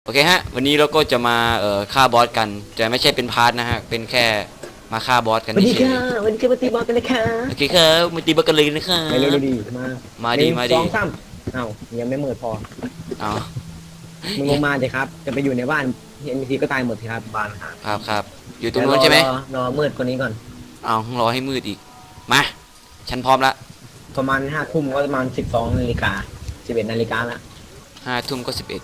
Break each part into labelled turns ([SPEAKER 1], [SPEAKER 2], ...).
[SPEAKER 1] โอเคฮะวันนี้เราก็จะมาฆ่าบอสกันแต่ไม่ใช่เป็นพาร์ทนะฮะเป็นแค่มาฆ่าบอสกัน
[SPEAKER 2] สวัสดี
[SPEAKER 1] เฉย
[SPEAKER 2] ค่ะวันนี้จะมาตีบอลกันเลยค่ะ
[SPEAKER 1] โอเคครับมาตีบอสกันเลยนะครับ
[SPEAKER 2] ไปเร็วดีมา
[SPEAKER 1] ดี
[SPEAKER 2] หนึ่ง
[SPEAKER 1] มา
[SPEAKER 2] ส
[SPEAKER 1] ดี
[SPEAKER 2] องสามเอ้ายังไม่มืดพอ
[SPEAKER 1] เอา
[SPEAKER 2] มึงลงมาเลยครับ จะไปอยู่ในบ้านเอ็นซีก็ตายหมดสิครับบ้านครับ
[SPEAKER 1] ครับอยู่ตรงนู้นใช่ไหม
[SPEAKER 2] รอมืดกว่านี้ก่อน
[SPEAKER 1] เอารอให้มืดอีกมาฉันพร้อมละ
[SPEAKER 2] ประมาณ5 ทุ่มก็ประมาณ12 นาฬิกา11 นาฬิกาละ
[SPEAKER 1] 5 ทุ่มก็11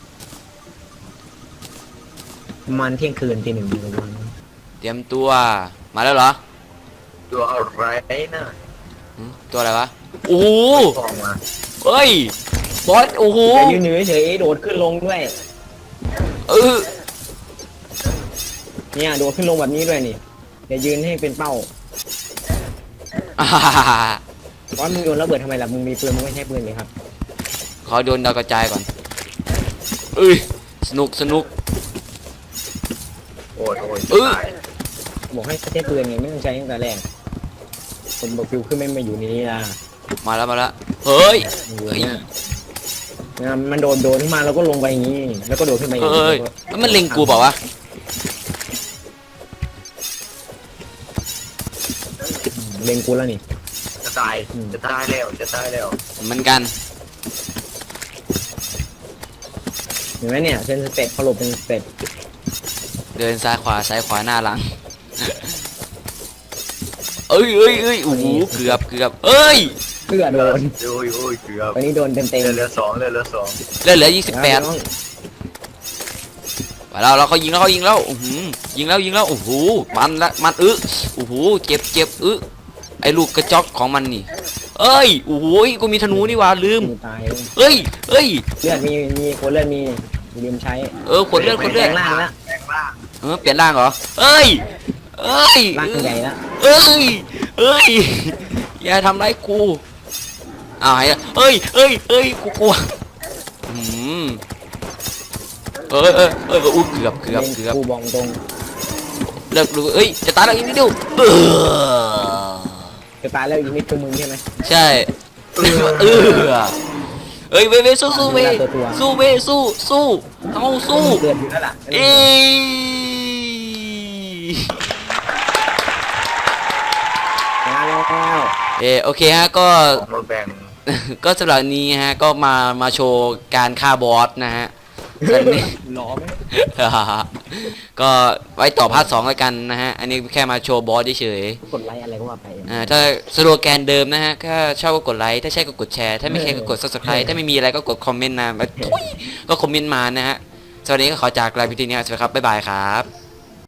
[SPEAKER 2] ประมาณเที่ยงคืนตี 1
[SPEAKER 1] เตรียมตัวมาแล้วเหรอ
[SPEAKER 3] ตัวอะไรนะ
[SPEAKER 1] ตัวอะไรวะโอ้โห
[SPEAKER 3] ฟองมา
[SPEAKER 1] เฮ้ยบอสโอ้โห
[SPEAKER 2] อย่ายืนเฉยๆโดดขึ้นลงด้วย
[SPEAKER 1] เออ
[SPEAKER 2] เนี่ยโดดขึ้นลงแบบนี้ด้วยนี่อย่ายืนให้เป็นเป้า
[SPEAKER 1] อ่าฮ่าฮ่าฮ่า
[SPEAKER 2] เพราะมึงโยนระเบิดทำไมล่ะมึงมีปืนมึงไม่ใช้ปืนเลยครับ
[SPEAKER 1] ขอโดนดาวกระจายก่อนเอ้ยสนุก
[SPEAKER 3] โอ้ย
[SPEAKER 1] ตาย
[SPEAKER 2] บอกให้ใช้ปืนไงไม่ต้องใช้ตั้งแต่แรกคนบอกฟิวขึ้นไม่มาอยู่ในนี้ล่ะ
[SPEAKER 1] มาแล้วเฮ้ย
[SPEAKER 2] อยู่เนี่ยมันโดดขึ้นมาแล้วก็ลงไปอย่างนี้ แล้วก็โดดขึ้นมาอย่าง
[SPEAKER 1] เฮ้ย
[SPEAKER 2] นี้
[SPEAKER 1] แล้วมันเล็งกูเปล่าวะ
[SPEAKER 2] เล็งกูแล้วนี่
[SPEAKER 3] จะตายแล้ว
[SPEAKER 1] เหมือนกัน
[SPEAKER 2] เห็นไหมเนี่ยเซนสเต็ปเขาหลบเป็นสเต็ป
[SPEAKER 1] เดินซ้ายขวาหน้าหลัง เอ้ยโอ้โหเกือบเอ้ย
[SPEAKER 2] เพื่อโดน
[SPEAKER 3] โอ้ยเกือบ
[SPEAKER 2] วันนี้โดนเต็ม
[SPEAKER 3] เหลื
[SPEAKER 2] ๆ
[SPEAKER 3] อสอง
[SPEAKER 1] เหลือ28ไปแล้วเราเขายิงแล้วอื้อหือยิงแล้วโอ้โหมันโอ้โหเจ็บไอ้ลูกกระจอกของมันนี่เอ้ยโอ้โหกูมีธนูนี่หว่าลืม
[SPEAKER 2] มึงตาย
[SPEAKER 1] เอ้ย
[SPEAKER 2] เลือดมีคนเลือดมีลืมใช้
[SPEAKER 1] ขวดเลือด
[SPEAKER 2] แปลงร่างแล้ว
[SPEAKER 3] แปลงร่าง
[SPEAKER 1] เปลี่ยนร่างเหรอเอ้ย
[SPEAKER 2] ร่างใหญ่แล้ว
[SPEAKER 1] เอ้ยอย่าทำร้ายกูอ้าวเอ้ยกูกลัวอุ้ยเกือบ
[SPEAKER 2] กูบอกตรง
[SPEAKER 1] เลิกดูเอ้ยจะตายแล้วอีกนิดเดียว
[SPEAKER 2] จะตายแล้วอีกนิดคือมึงใช่ไหม
[SPEAKER 1] ใช่เอ้ยเว้สู้เว้สู้เอาสู้
[SPEAKER 2] เดือดอยู่แล้วล่ะ
[SPEAKER 1] เอ้โอเคฮะก็
[SPEAKER 3] ของมาแบ่ง
[SPEAKER 1] ก็สำหรับนี้ฮะก็มาโชว์การฆ่าบอสนะฮะส่วนนี้
[SPEAKER 2] หล่อไหม
[SPEAKER 1] ก็ไว้ต่อพาร์ท 2แล้วกันนะฮะอันนี้แค่มาโชว์บอสเฉย
[SPEAKER 2] กดไลค์อะไรก็ว่าไป
[SPEAKER 1] ถ้าสโลแกนเดิมนะฮะถ้าชอบก็กดไลค์ถ้าใช่ก็กดแชร์ถ้าไม่ใช่ก็กด subscribe ถ้าไม่มีอะไรก็กดคอมเมนต์นะก็คอมเมนต์มานะฮะสวัสดีก็ขอจากลาพิธีนี้สวัสดีครับบ๊ายบายครับ